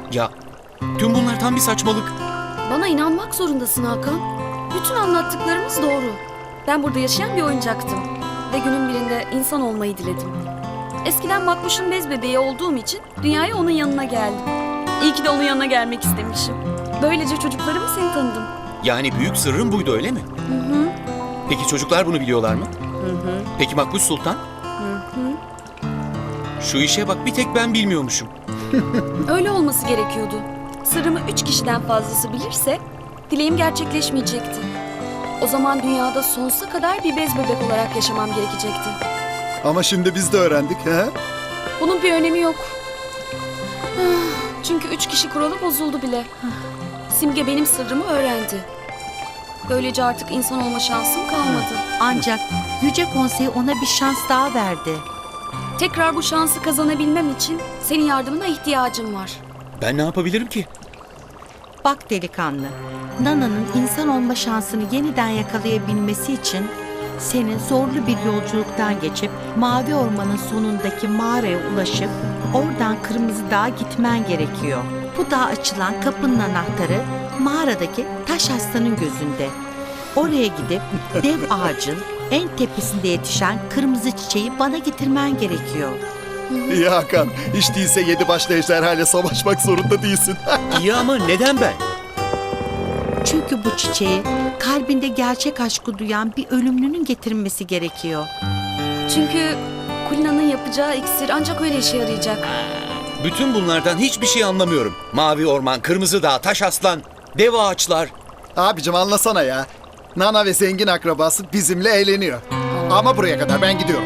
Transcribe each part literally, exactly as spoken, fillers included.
Ya tüm bunlar tam bir saçmalık. Bana inanmak zorundasın Hakan. Bütün anlattıklarımız doğru. Ben burada yaşayan bir oyuncaktım. Ve günün birinde insan olmayı diledim. Eskiden Makbuş'un bez bebeği olduğum için dünyaya onun yanına geldim. İyi ki de onun yanına gelmek istemişim. Böylece çocuklarımı seni tanıdım. Yani büyük sırrın buydu öyle mi? Hı hı. Peki çocuklar bunu biliyorlar mı? Hı hı. Peki Makbuş Sultan? Hı hı. Şu işe bak, bir tek ben bilmiyormuşum. Öyle olması gerekiyordu. Sırrımı üç kişiden fazlası bilirse dileğim gerçekleşmeyecekti. O zaman dünyada sonsuza kadar bir bez bebek olarak yaşamam gerekecekti. Ama şimdi biz de öğrendik. He? Bunun bir önemi yok. Ah, Çünkü üç kişi kuralı bozuldu bile. Simge benim sırrımı öğrendi. Böylece artık insan olma şansım kalmadı. Ancak Yüce Konsey ona bir şans daha verdi. Tekrar bu şansı kazanabilmem için senin yardımına ihtiyacım var. Ben ne yapabilirim ki? Bak delikanlı, Nana'nın insan olma şansını yeniden yakalayabilmesi için senin zorlu bir yolculuktan geçip Mavi Orman'ın sonundaki mağaraya ulaşıp oradan Kırmızı Dağ'a gitmen gerekiyor. Bu dağa açılan kapının anahtarı mağaradaki taş aslanın gözünde. Oraya gidip dev ağacın en tepesinde yetişen kırmızı çiçeği bana getirmen gerekiyor. İyi Hakan. Hiç değilse yedi başlı ejderhayla savaşmak zorunda değilsin. İyi ama neden ben? Çünkü bu çiçeği kalbinde gerçek aşkı duyan bir ölümlünün getirmesi gerekiyor. Çünkü Kulina'nın yapacağı iksir ancak öyle işe yarayacak. Bütün bunlardan hiçbir şey anlamıyorum. Mavi orman, kırmızı dağ, taş aslan, dev ağaçlar. Abicim anlasana ya. Nana ve zengin akrabası bizimle eğleniyor. Ama buraya kadar, ben gidiyorum.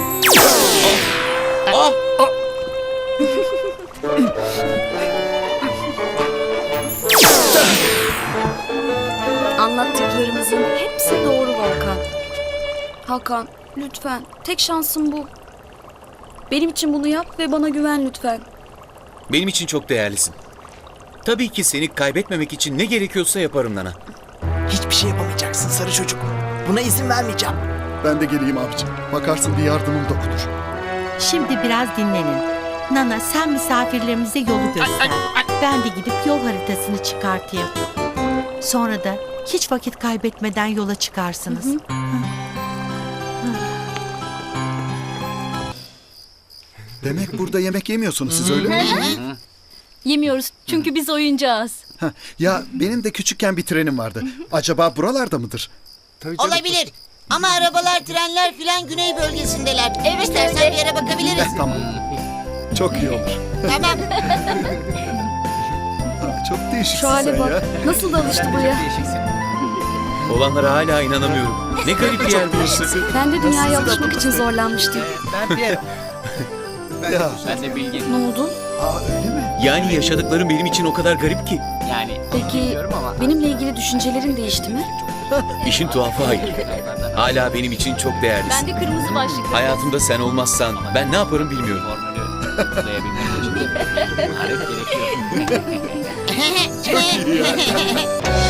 Ah! Anlattıklarımızın hepsi doğru Hakan. Hakan, lütfen. Tek şansım bu. Benim için bunu yap ve bana güven lütfen. Benim için çok değerlisin. Tabii ki seni kaybetmemek için ne gerekiyorsa yaparım Nana. Hiçbir şey yapamayacaksın sarı çocuk. Buna izin vermeyeceğim. Ben de geleyim abicim. Bakarsın bir yardımım dokunur. Şimdi biraz dinlenin. Nana sen misafirlerimize yolu göster. Ben de gidip yol haritasını çıkartayım. Sonra da hiç vakit kaybetmeden yola çıkarsınız. Hı hı. Demek burada yemek yemiyorsunuz siz, öyle mi? Yemiyoruz çünkü biz oyuncağız. Heh, ya benim de küçükken bir trenim vardı. Acaba buralarda mıdır? Olabilir. Ama arabalar, trenler filan güney bölgesindeler. Evet, İstersen bir yere bakabiliriz. Eh, tamam. Çok iyi olur. Tamam. Ha, çok değişiksin Şu hale sen bak. ya. Nasıl da alıştı buraya. Olanlara hala inanamıyorum. Ne garip bir yer burası. Ben de dünyaya alışmak için zorlanmıştım. Ben Pierre. Ya, Ben de bilgi. Ne oldu? aa, öyle mi? Yani yaşadıklarım benim için o kadar garip ki. Yani Peki bilmiyorum ama benimle ilgili düşüncelerin değişti mi? İşin tuhafı hayır. Hala benim için çok değerlisin. de kırmızı başlıklı. Hayatımda sen olmazsan ben ne yaparım bilmiyorum. formülü uygulayabilmek için de hareket gerekiyor. Çok iyi ya.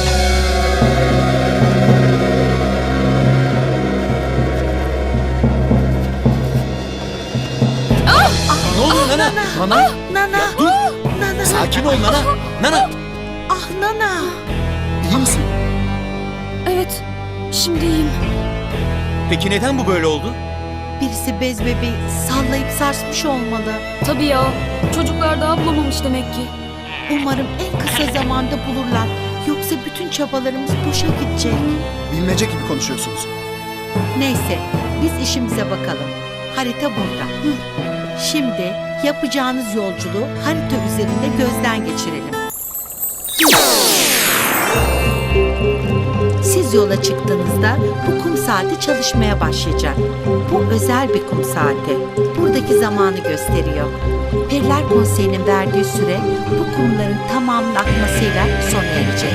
Ne oluyor Nana? Nana? Nana! Dur. Nana! Sakin ol Nana. Nana. Ah Nana! İyi misin? Evet, şimdi iyiyim. Peki neden bu böyle oldu? Birisi bez bebeği sallayıp sarsmış olmalı. Tabii ya, çocuklar daha bulamamış demek ki. Umarım en kısa zamanda bulurlar. Yoksa bütün çabalarımız boşa gidecek. Bilmece gibi konuşuyorsunuz. Neyse, biz işimize bakalım. Harita burada. Şimdi yapacağınız yolculuğu harita üzerinde gözden geçirelim. Siz yola çıktığınızda bu kum saati çalışmaya başlayacak. Bu özel bir kum saati. Buradaki zamanı gösteriyor. Periler Konseyi'nin verdiği süre bu kumların tamamının akmasıyla sona erecek.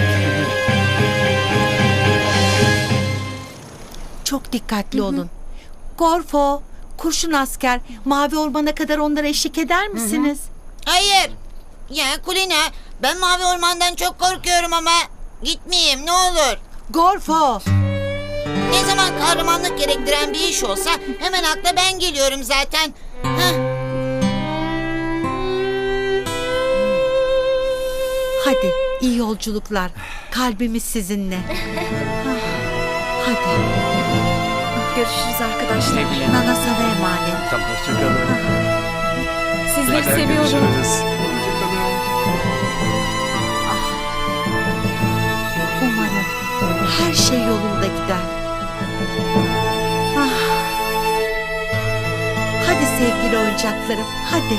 Çok dikkatli olun. Gorfo, Kurşun Asker, Mavi Orman'a kadar onlara eşlik eder misiniz? Hayır. Ya Kulina, ben Mavi Orman'dan çok korkuyorum ama gitmeyeyim ne olur. Gorfo! Ne zaman kahramanlık gerektiren bir iş olsa hemen akla ben geliyorum zaten. Heh. Hadi iyi yolculuklar. Kalbimiz sizinle. Ah, Hadi. Görüşürüz arkadaşlar. Nana sana emanet. Tamam, hoşçakalın. Sizleri seviyorum. Umarım her şey yolunda gider. Ah. Hadi sevgili oyuncaklarım, hadi.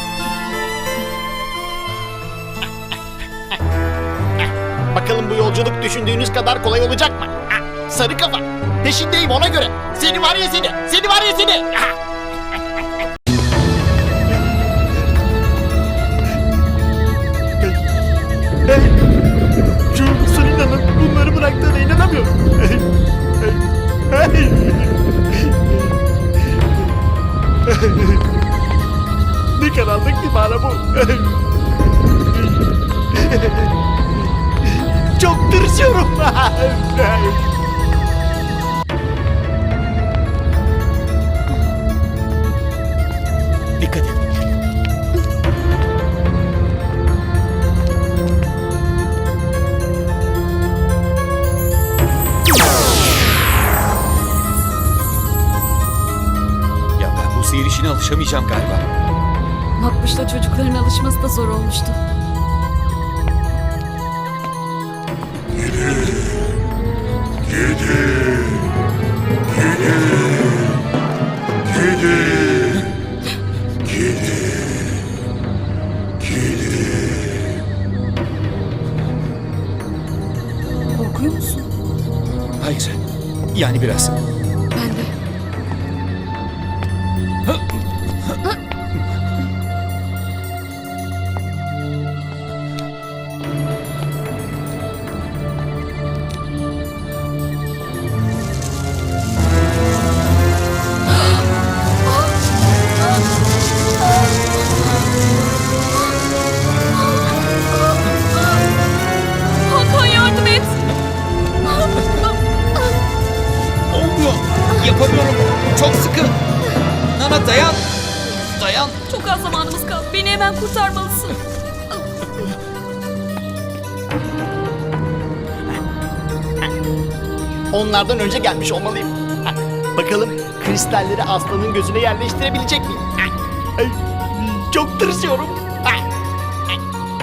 Bakalım bu yolculuk düşündüğünüz kadar kolay olacak mı? Ah, sarı kafa. Peşindeyim ona göre. Seni var ya seni. Seni var ya seni. Ah! Şu Sulina'nın bunları bıraktığına inanamıyorum. Ne karanlık bir mağara bu. Çok tırsıyorum. Dikkat et. Ya ben bu sihir işine alışamayacağım galiba. Makbuş'la çocukların alışması da zor olmuştu. Korkuyor musun? Hayır. Yani biraz. Ben de. Hakan yardım et. Olmuyor. Yapamıyorum. Çok sıkı. Nana dayan. Dayan. Çok az zamanımız kaldı. Beni hemen kurtarmalısın. Onlardan önce gelmiş olmalıyım. Ah, bakalım kristalleri aslanın gözüne yerleştirebilecek miyim? Ah, ay, çok tırsıyorum. Ah, ah.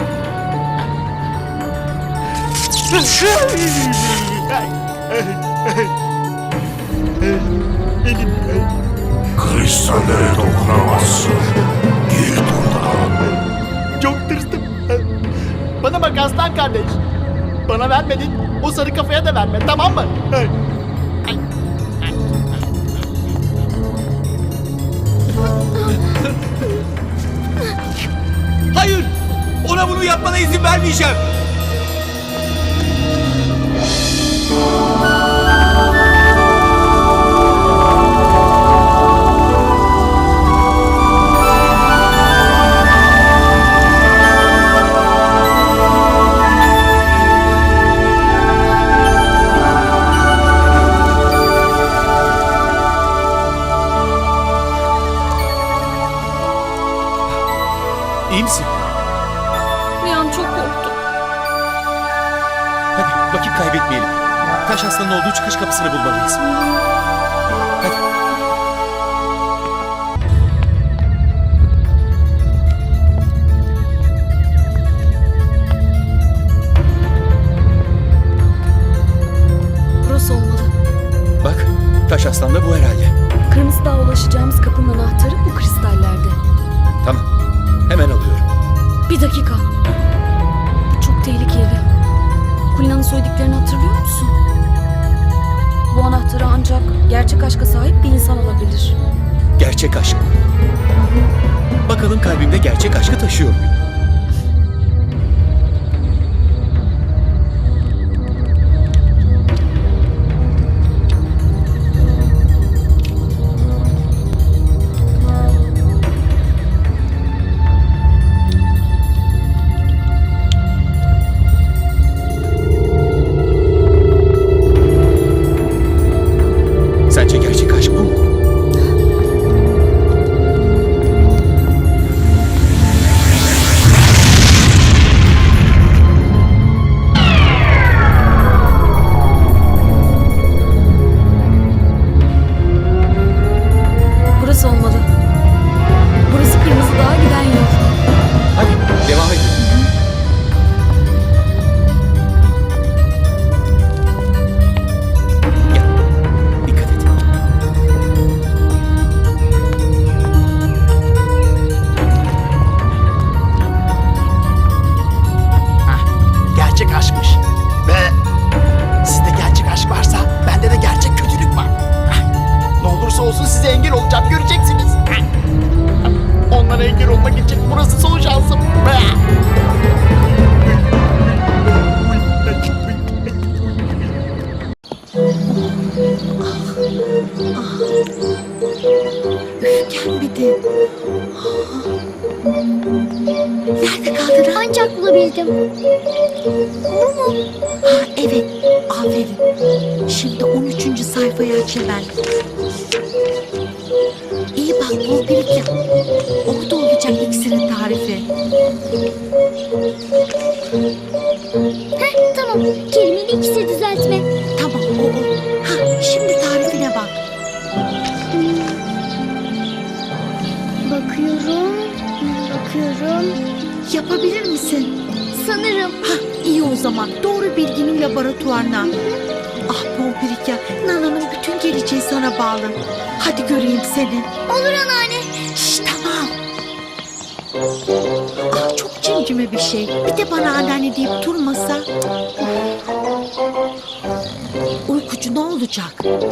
Ay, ay, ay. Elim, ay. Kristallere dokunamazsın. Git buradan. Çok tırstım. Bana bak aslan kardeş. Bana vermedin, o sarı kafaya da verme, tamam mı? Ay. Ay. Hayır. Ona bunu yapmana izin vermeyeceğim. İyi misin? Bir an çok korktum. Hadi vakit kaybetmeyelim. Taş aslanın olduğu çıkış kapısını bulmalıyız. Hadi. Burası olmalı. Bak, taş aslan da bu herhalde. Kırmızı Dağ'a ulaşacağımız kapının anahtarı bu kristallerde. Tamam. Hemen alıyorum. Bir dakika. Bu çok tehlikeli. Kulina'nın söylediklerini hatırlıyor musun? Bu anahtarı ancak gerçek aşka sahip bir insan alabilir. Gerçek aşk. Bakalım kalbimde gerçek aşkı taşıyor muyum? Sence gerçek aşk bu mu? aşkmış. Ve sizde gerçek aşk varsa bende de gerçek kötülük var. Ne olursa olsun size engel olacağım, göreceksiniz. Onlara engel olmak için burası son şansım. Gelmedi. Nerede kaldın? Ancak bulabildim. Ha, evet, aferin. Şimdi on üçüncü sayfayı aç hemen. İyi bak, bol bir iki. Orada olacak iksirin tarifi. Heh, tamam. Kelimenin ikisi düzeltme. Tamam, o o. Ha, şimdi tarifine bak. Bakıyorum, bakıyorum. Yapabilir misin? Sanırım. Ha, iyi o zaman. Doğru bilginin laboratuvarına. Ah Pompirika, Nana'nın bütün geleceği sana bağlı. Hadi göreyim seni. Olur anneanne. Şşş, tamam. Ah, çok cimcime bir şey. Bir de bana anneanne deyip durmasa. Uykucu ne olacak?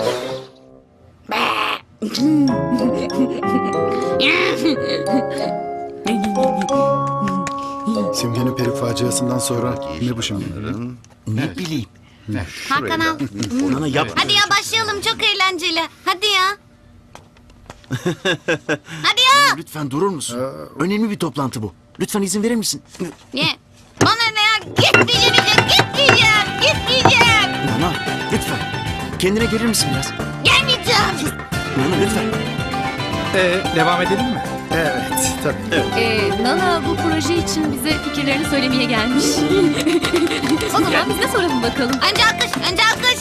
Simge'nin peri faciasından sonra ne bu şimdi? Ne bileyim. Hakan al. Nana yap. Hadi ya başlayalım, çok eğlenceli. Hadi ya. Hadi ya. Lütfen durur musun? Önemli bir toplantı bu. Lütfen izin verir misin? Ye. Bana ne ya? Gitmeyeceğim, gitmeyeceğim, gitmeyeceğim. Nana lütfen. Kendine gelir misin biraz? Gelmeyeceğim. Nana lütfen. Ee, devam edelim mi? Evet, tabii. Ee, Nana bu proje için bize fikirlerini söylemeye gelmiş. O zaman biz de soralım bakalım. Önce alkış, önce alkış.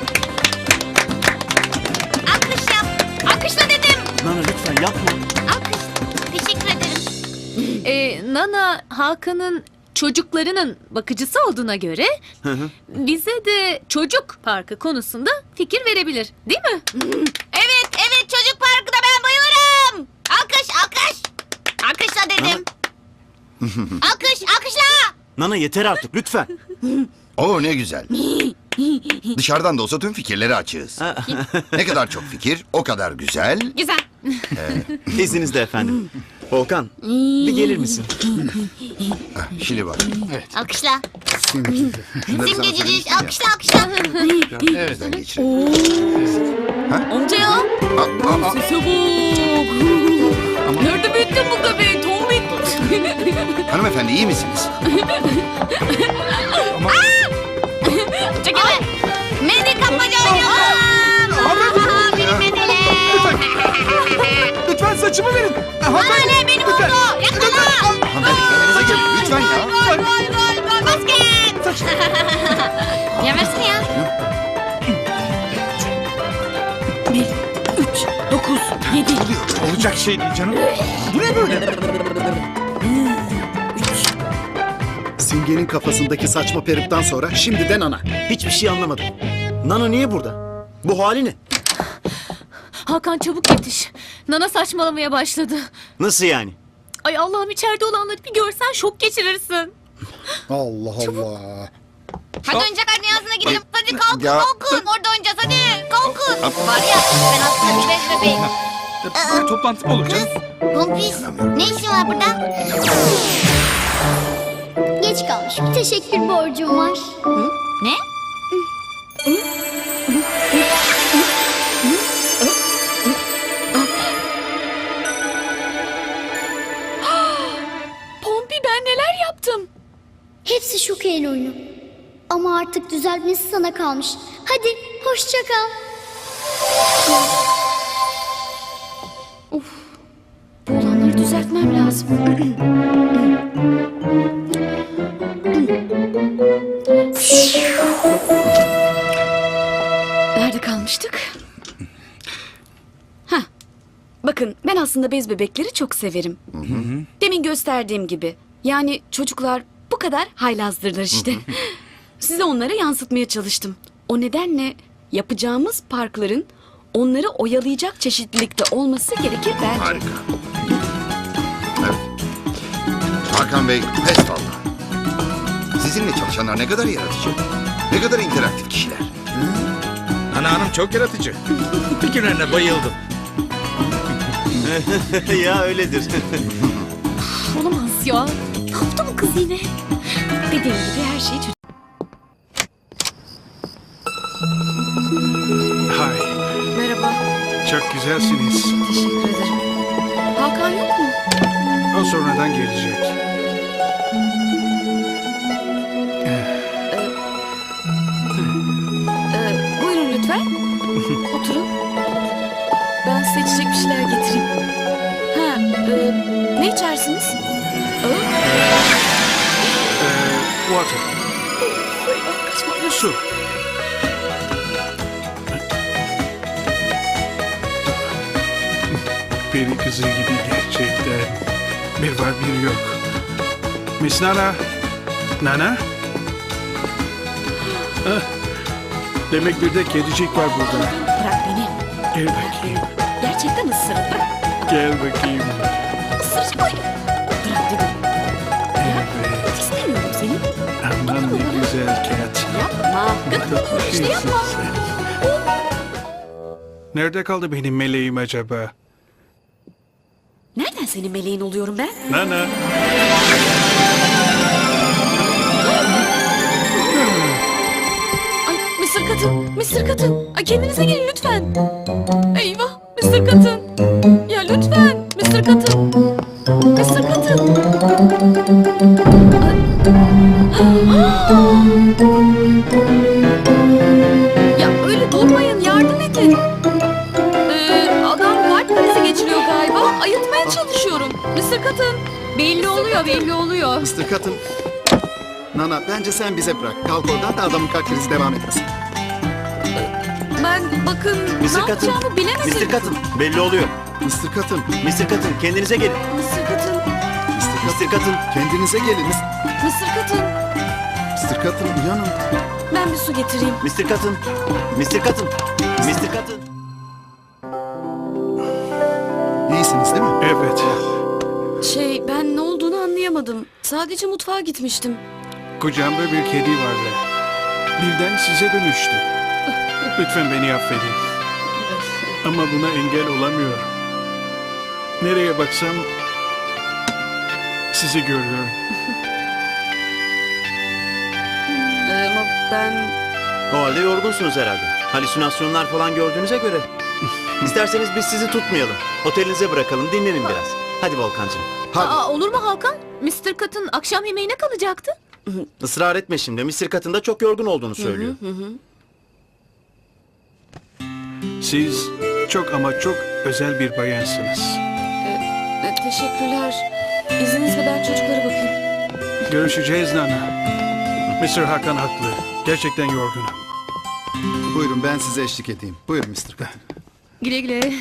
Alkış yap. Alkışla dedim. Nana lütfen yapma. Alkış. Teşekkür ederim. Ee, Nana Hakan'ın çocuklarının bakıcısı olduğuna göre bize de çocuk parkı konusunda fikir verebilir, değil mi? Evet, evet, çocuk parkına ben bayılırım. Alkış, alkış. Alkışla dedim. Alkış, alkışla. Nana yeter artık lütfen. Oo ne güzel. Dışarıdan da olsa tüm fikirleri açığız. Ne kadar çok fikir, o kadar güzel. Güzel. İzninizle efendim. Volkan bir gelir misin? Şimdi bak. Alkışla. Şunları sana Simgecici, söyleyeyim. alkışla, alkışla. Bizden geçirelim. Amca ya. Aa, aa, aa. Sese bak. Nerede büyüttün bu göbeği Tombik? Hanımefendi iyi misiniz? Çekilme. Mendil kapmaca oynuyorum. Aha, benim mendilim. Lütfen saçımı verin. Bana ne, benim oldu. Yakala. Hanımefendi kendinize gelin lütfen ya. Gol, gol, gol, gol, basket. Yemezsin ya. Dokuz, yedi. Olacak şey değil canım. Bu ne böyle? Simge'nin kafasındaki saçma peruktan sonra şimdiden ana. Hiçbir şey anlamadım. Nana niye burada? Bu hali ne? Hakan çabuk yetiş. Nana saçmalamaya başladı. Nasıl yani? Ay Allah'ım, içeride olanları bir görsen şok geçirirsin. Allah Allah. Hadi oyuncak dünyasına gidelim. Hadi kalkın, Ya. kalkın. Orada oynayacağız, hadi. Kalkın. Var ya, ben aslında bir bez bebeğim. Böyle toplantı mı olur canım? Pompis, ne işin var burada? Geç kalmış. Bir teşekkür borcum var. Ne? Pompi, ben neler yaptım? Hepsi Şuke'nin oyunu. Ama artık düzeltmesi sana kalmış. Hadi hoşça kal. Of. Bu olanları düzeltmem lazım. Nerede kalmıştık? Hah. Bakın, ben aslında bez bebekleri çok severim. Demin gösterdiğim gibi. Yani çocuklar bu kadar haylazdırlar işte. Size onlara yansıtmaya çalıştım. O nedenle yapacağımız parkların onları oyalayacak çeşitlilikte olması gerekir bence. Harika. Evet. Hakan Bey pes vallahi. Sizin Sizinle çalışanlar ne kadar yaratıcı. Ne kadar interaktif kişiler. Ana hanım çok yaratıcı. Fikirlerine bayıldım. Ya öyledir. Olamaz ya. Ne yaptı bu kız yine? Dediğim gibi her şey çocuk. Hay, Merhaba. çok güzelsiniz. Teşekkür ederim. Hakan yok mu? O sonradan gelecek. Ee, buyurun lütfen. Oturun. Ben size içecek bir şeyler getireyim. Ha, e, ne içersiniz? Aa, Ee, water, ah, kaçma. su. Peri kızı gibi gerçekten. Bir var bir yok. Miss Nana. Nana? Ah, demek bir de kedicik var burada. Bırak beni. Gel bakayım. Gerçekten ısırın. Bırak. Gel bakayım. Isıracak oyunu. Bırak dedim. Evet. İstemiyorum seni. Aman ne güzel cat. Yapma. Gıdıklanıyorum işte yapma. Nerede kaldı benim meleğim acaba? Nereden senin meleğin oluyorum ben? Nana. Ay Mısır Katın, Mısır Katın. Ay kendinize gelin lütfen. Eyvah Mısır Katın. Ya lütfen Mısır Katın. Mısır Katın. Ay. Ya öyle durmayın yardım edin. Ee, adam kalp krizi geçiriyor galiba. Ayıltmaya çalışıyorum. Mısır Katın. Belli oluyor belli oluyor. Mister Cotton. Nana bence sen bize bırak. Kalk oradan da adamın kalp krizi devam etmesin. Ben bakın Mister ne Cotton. yapacağımı bilemedim. Mister Cotton. Belli oluyor. Mister Cotton. Mister Cotton kendinize gelin. Mısır Katın. Mister Mister Cotton. Cotton. Kendinize gelin. Mısır Katın. Mister Cotton uyanın. Ben bir su getireyim. Mister Cotton. Mister Cotton. Mister Cotton. İyisiniz değil mi? Evet. Şey ben ne olduğunu anlayamadım. Sadece mutfağa gitmiştim. Kucağımda bir kedi vardı. Birden size dönüştü. Lütfen beni affedin. Ama buna engel olamıyorum. Nereye baksam sizi görüyorum. Ee, ama ben... O halde yorgunsunuz herhalde. Halüsinasyonlar falan gördüğünüze göre. İsterseniz biz sizi tutmayalım. Otelinize bırakalım, dinlenin biraz. Hadi Volkancığım. Hadi. Aa, olur mu Hakan? mister Katın akşam yemeğine kalacaktı. Israr etme şimdi. Mister Cotton da çok yorgun olduğunu söylüyor. Siz çok ama çok özel bir bayansınız. Ee, teşekkürler. İzninizle ben çocuklara bakayım. Görüşeceğiz Nana. mister Hakan haklı. Gerçekten yorgunum. Buyurun ben size eşlik edeyim. Buyurun Mister Cotton. Güle güle.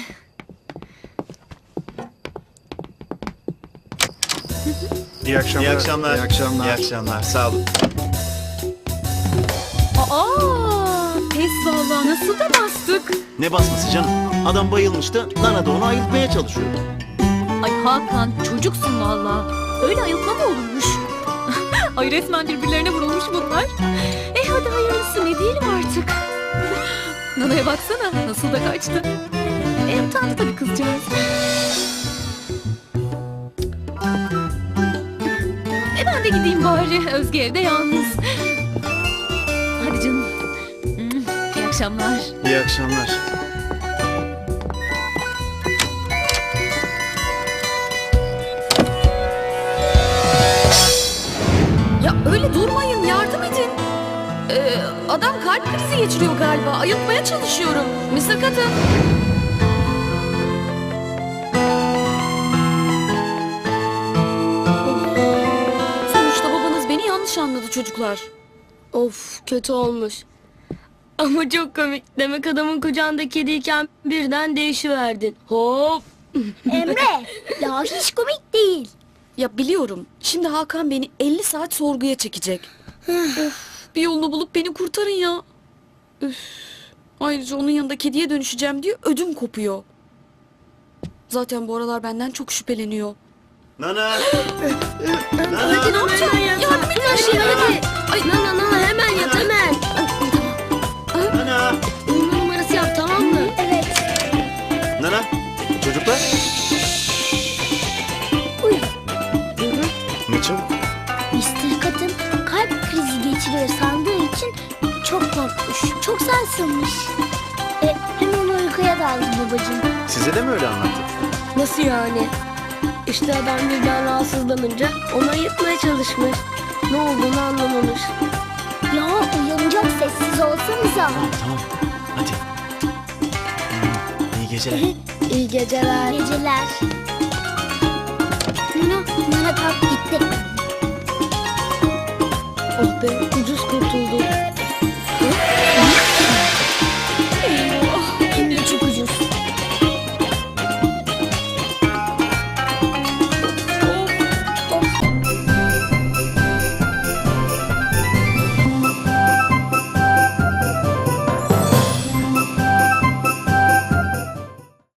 İyi akşamlar. İyi akşamlar. İyi akşamlar. İyi akşamlar. Sağ olun. Aa, pes vallahi nasıl da bastık. Ne basması canım? Adam bayılmıştı. Nana da onu ayıltmaya çalışıyor. Ay Hakan çocuksun valla. Öyle ayıltma mı olurmuş? Ay resmen birbirlerine vurulmuş bunlar. Eh hadi hayırlısı ne diyelim artık. Nana'ya baksana nasıl da kaçtı. E utandı tabii kızcağız. E ben de gideyim bari. Özge evde yalnız. Hadi canım. Hmm, İyi akşamlar. İyi akşamlar. Ya öyle durmayın yardım edin. Ee, adam kalp krizi geçiriyor galiba. Ayıltmaya çalışıyorum. mister Katın. Sonuçta babanız beni yanlış anladı çocuklar. Of kötü olmuş. Ama çok komik. Demek adamın kucağında kediyken birden değişiverdin. Hop. Emre, ya hiç komik değil. Ya biliyorum. Şimdi Hakan beni elli saat sorguya çekecek. Of, bir yolunu bulup beni kurtarın ya. Üf. Ayrıca onun yanında kediye dönüşeceğim diye ödüm kopuyor. Zaten bu aralar benden çok şüpheleniyor. Nana! Hadi ne yapacağım? Yardım edin her şeyi hadi. Ay geçiriyor sandığı için çok korkmuş. Çok sarsılmış. E, hemen uykuya daldı babacığım. Size de mi öyle anlattı? Nasıl yani? İşte adam birden rahatsızlanınca onu ayırtmaya çalışmış. Ne olduğunu anlamamış. Ya uyanacak, sessiz olsanıza. Tamam. Hadi. İyi geceler. İyi geceler. Geceler. Nana, Nana kalk gitti. Oh be, ucuz kurtulduk. Hı?